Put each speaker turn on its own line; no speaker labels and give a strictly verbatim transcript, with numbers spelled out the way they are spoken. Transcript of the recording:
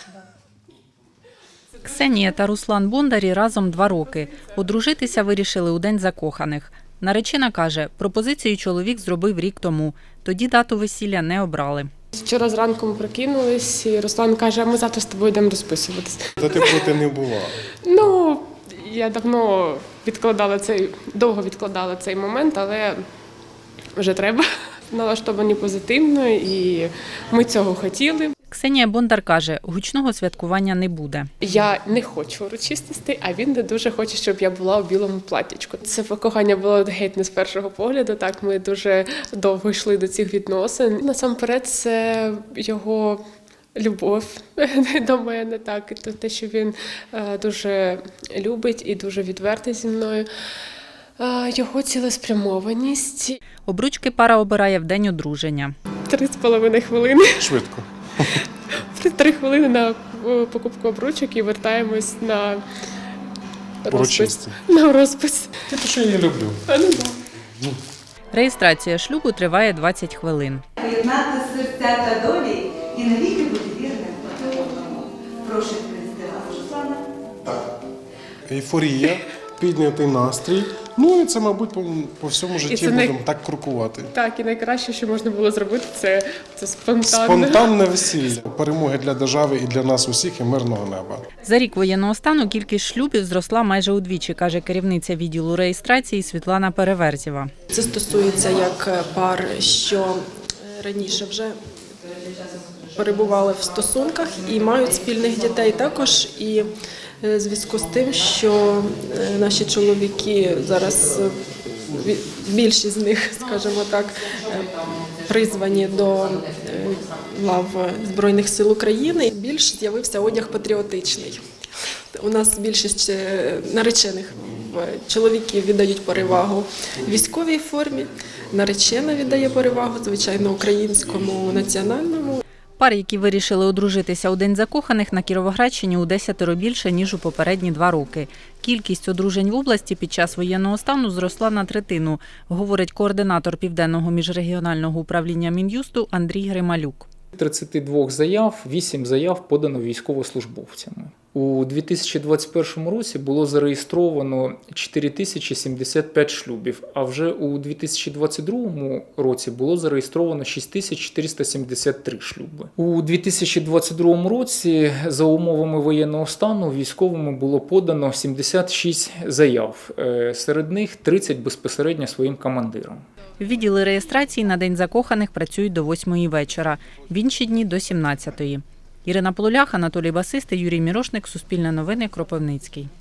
Ксенія та Руслан Бондарі разом два роки. Одружитися вирішили у День закоханих. Наречена каже, пропозицію чоловік зробив рік тому. Тоді дату весілля не обрали.
Вчора зранку ми прокинулись, і Руслан каже, а ми завтра з тобою йдемо розписуватись.
Та ти проти не була?
Ну, я давно відкладала цей, довго відкладала цей момент, але вже треба. Налаштовані позитивно, і ми цього хотіли.
Ксенія Бондар каже, гучного святкування не буде.
Я не хочу урочистостей, а він не дуже хоче, щоб я була у білому платтячку. Це кохання було геть не з першого погляду. Так, ми дуже довго йшли до цих відносин. Насамперед, це його любов до мене, так, і те, що він дуже любить і дуже відвертий зі мною. Його цілеспрямованість.
Обручки пара обирає в день одруження.
Три з половиною хвилини.
Швидко.
Три хвилини на покупку обручок і вертаємось на розпис. На розпис.
Це те, що я її люблю.
А, ну, да.
Реєстрація шлюбу триває двадцять хвилин.
Поєднати серця та долі і навіки бути вірним одне одному. Прошу відповісти вас, Руслана.
Так. Ейфорія, піднятий настрій. Ну і це, мабуть, по, по всьому житті
най...
будемо так крокувати.
Так, і найкраще, що можна було зробити, це, це спонтанне.
Спонтанне весілля. Перемоги для держави і для нас усіх, і мирного неба.
За рік воєнного стану кількість шлюбів зросла майже удвічі, каже керівниця відділу реєстрації Світлана Переверзєва.
Це стосується як пар, що раніше вже перебували в стосунках і мають спільних дітей також. І в зв'язку з тим, що наші чоловіки зараз, більшість з них, скажімо так, призвані до лав Збройних сил України, більш з'явився одяг патріотичний. У нас більшість наречених чоловіків віддають перевагу військовій формі, наречена віддає перевагу, звичайно, українському національному.
Пар, які вирішили одружитися у День закоханих, на Кіровоградщині у десятеро більше, ніж у попередні два роки. Кількість одружень в області під час воєнного стану зросла на третину, говорить координатор Південного міжрегіонального управління Мін'юсту Андрій Грималюк.
тридцять два заяв, вісім заяв подано військовослужбовцями. У дві тисячі двадцять першому році було зареєстровано чотири тисячі сімдесят п'ять шлюбів, а вже у дві тисячі двадцять другому році було зареєстровано шість тисяч чотириста сімдесят три шлюби. У дві тисячі двадцять другому році за умовами воєнного стану військовими було подано сімдесят шість заяв, серед них тридцять безпосередньо своїм командирам.
Відділи реєстрації на День закоханих працюють до восьмої вечора, в інші дні – до сімнадцятої. Ірина Полулях, Анатолій Басистий, Юрій Мірошник, Суспільне новини, Кропивницький.